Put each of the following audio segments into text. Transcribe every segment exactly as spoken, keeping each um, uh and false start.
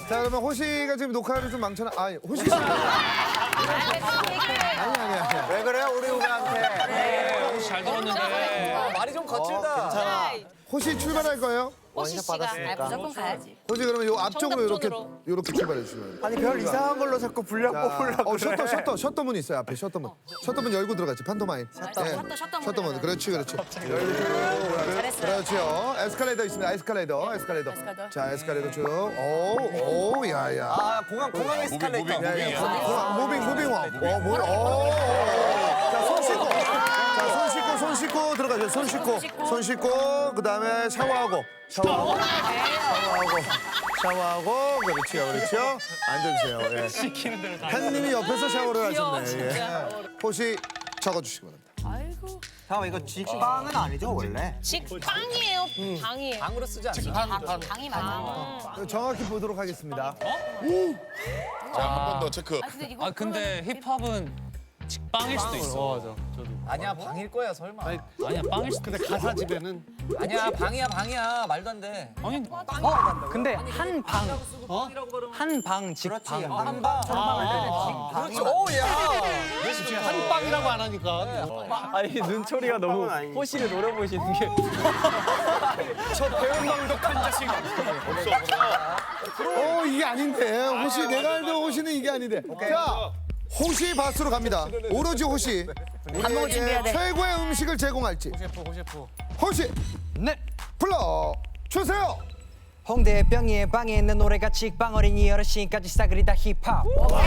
자, 그러면 호시가 지금 녹화를 좀 망쳐놔. 아니, 호시 씨. 아니, 아니, 아니. 왜 그래요, 우리 후배한테? 혹시 잘 들었는데. 말이 좀 거칠다. 괜찮아. 호시 출발할 거예요? 호시 씨가 아, 무조건 가야지. 호시 그러면 요 앞쪽으로 이렇게 정답 이렇게 출발해 주시면. 아니, 별 이상한 걸로 자꾸 불려 뽑으려고 어, 셔터, 셔터, 셔터문 있어요 앞에 셔터문. 셔터문 열고 들어가지 판토마임. 셔터, 셔터, 셔터문. 셔터문, 그렇지, 그렇지. 잘했어요. 그렇죠. 에스컬레이터 있습니다. 에스컬레이터, 에스컬레이터. 에스컬레이터. 자, 에스컬레이터 쭉. 오, 오, 야야. 아, 공항, 공항 에스컬레이터. 어, 무빙, 무빙 와. 어, 뭐, 오. 자, 손 씻고. 자, 손 씻고, 손 씻고 들어가죠. 손 씻고, 손 씻고, 그 다음에 샤워하고, 샤워하고, 샤워하고, 샤워하고, 그렇죠, 그렇죠. 앉아주세요. 예. 시키는 대로 다. 팬님이 옆에서 샤워를 귀여워, 하셨네. 예. 진짜. 호시 적어주시기 바랍니다. 아이고. 잠깐만, 이거 직방은 아니죠, 원래? 직방이에요. 방이에요. 방으로 쓰지 않죠? 방, 방이 맞아. 정확히 보도록 하겠습니다. 자, 한 번 더 체크. 아 근데 이거 아 근데 힙합은 직방일 수도 있어. 아니야, 방일 거야, 설마. 아니야 빵일 수도 있어. 가사 집에는 아니야, 방이야, 방이야. 말도 안 돼. 아니 근데 한 방, 어? 한 방 직방. 한 방. 그렇지, 오, 야. 한 빵이라고 안 하니까. 아니 눈초리가 너무 호시를 노려보시는 게. 저 배운 방독한 자식. 어, 이게 아닌데. 호시, 내가 알던 호시는 이게 아닌데. 자, 호시 바스로 갑니다. 오로지 호시. 먹을 준비해야 돼. 최고의 음식을 제공할지. 호셰프 호셰프. 호시, 네. 불러 주세요. 홍대 병이의 방에 있는 노래가 직방 어린이 어르신까지 싸그리 다 힙합.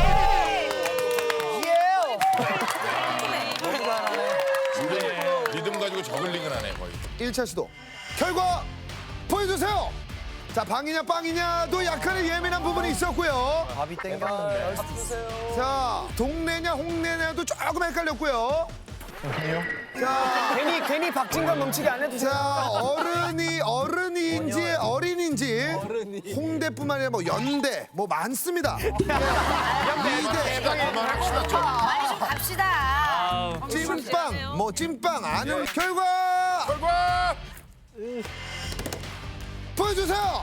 리듬 가지고 저글링을 하네, 거의. 일 차 시도. 결과 보여주세요. 자, 방이냐 빵이냐도 약간의 예민한 부분이 있었고요. 밥이 땡겼는데. 자, 동네냐 홍내냐도 조금 헷갈렸고요. 자, 괜히 괜히 박진감 넘치게 안 해주세요. 자, 어른이 어른인지 어린인지 홍대뿐만 아니라 뭐 연대 뭐 많습니다. 이대 그만합시다, 좀. 빨리 좀 갑시다. 찐빵 뭐 찐빵 아는 결과 결과! 보여주세요.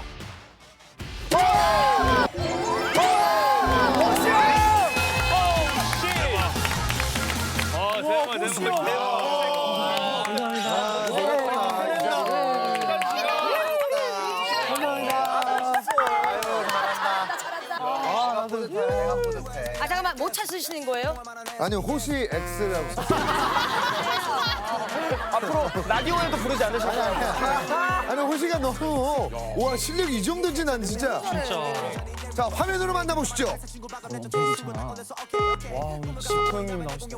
아 대박 대박. 아 잠깐만 못 찾으시는 거예요? 아니요, 호시 X라고 썼어요. 앞으로 라디오에도 부르지 않으셨나요? 아니, 호시가 너무 와, 실력이 이 정도인지 난 진짜. 진짜. 자, 화면으로 만나보시죠. 형님 나오시죠.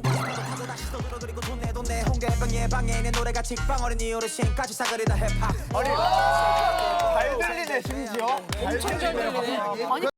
잘 들리네, 심지어. 엄청 잘 들리네. 아니